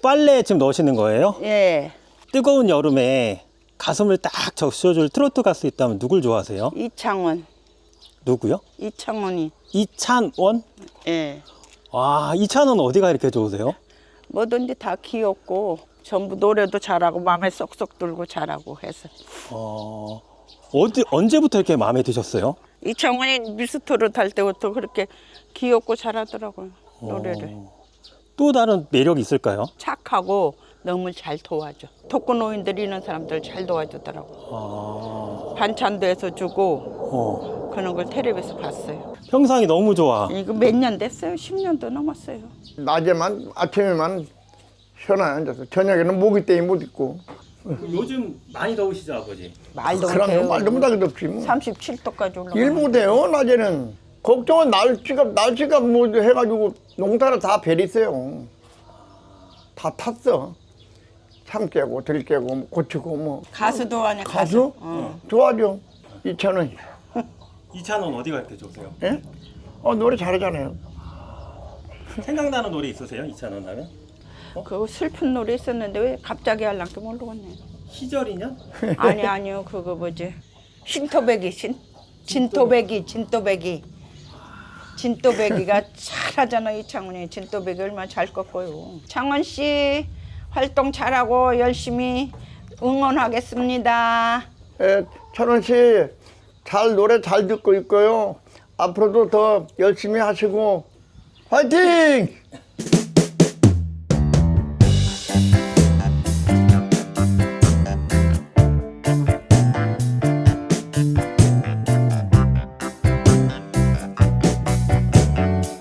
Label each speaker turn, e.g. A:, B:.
A: 빨래에 지금 넣으시는 거예요?
B: 예.
A: 뜨거운 여름에 가슴을 딱 적셔줄 트로트 가수 있다면 누굴 좋아하세요?
B: 이창원.
A: 누구요?
B: 이창원이.
A: 이찬원?
B: 예.
A: 와, 이찬원 어디가 이렇게 좋으세요?
B: 뭐든지 다 귀엽고 전부 노래도 잘하고 마음에 쏙쏙 들고 잘하고 해서.
A: 언제부터 이렇게 마음에 드셨어요?
B: 이창원이 미스터를 탈 때부터 그렇게 귀엽고 잘하더라고요. 노래를.
A: 또 다른 매력이 있을까요?
B: 착하고 너무 잘 도와줘. 독거노인들 있는 사람들 잘 도와주더라고. 반찬도 해서 주고 그런 걸 텔레비에서 봤어요.
A: 평상이 너무 좋아.
B: 이거 몇 년 됐어요? 10년도 넘었어요.
C: 낮에만 아침에만 시원하게 앉아서 저녁에는 모기 때문에 못 있고.
A: 요즘 많이 더우시죠, 아버지?
B: 말도
C: 그럼
B: 못해요.
C: 말도 못하게 덥지 뭐.
B: 37도까지 올라가.
C: 일 못해요 낮에는. 걱정은 날씨가 뭐 해가지고 농사를 다 베리세요. 다 탔어. 참 깨고 들 깨고 고치고 뭐.
B: 가수도 하냐
C: 가수? 좋아하죠. 이찬원.
A: 이찬원 어디가 이렇게 좋으세요?
C: 예? 노래 잘하잖아요.
A: 생각나는 노래 있으세요, 이찬원 하면?
B: 그 슬픈 노래 있었는데 왜 갑자기 할랑도 모르겠네.
A: 희절이냐?
B: 아니요 그거 뭐지? 진또배기가 잘하잖아. 이창훈이 진또배기 얼마나 잘 꺾어요. 창원 씨 활동 잘하고 열심히 응원하겠습니다.
C: 예, 찬원 씨 노래 잘 듣고 있고요. 앞으로도 더 열심히 하시고 화이팅!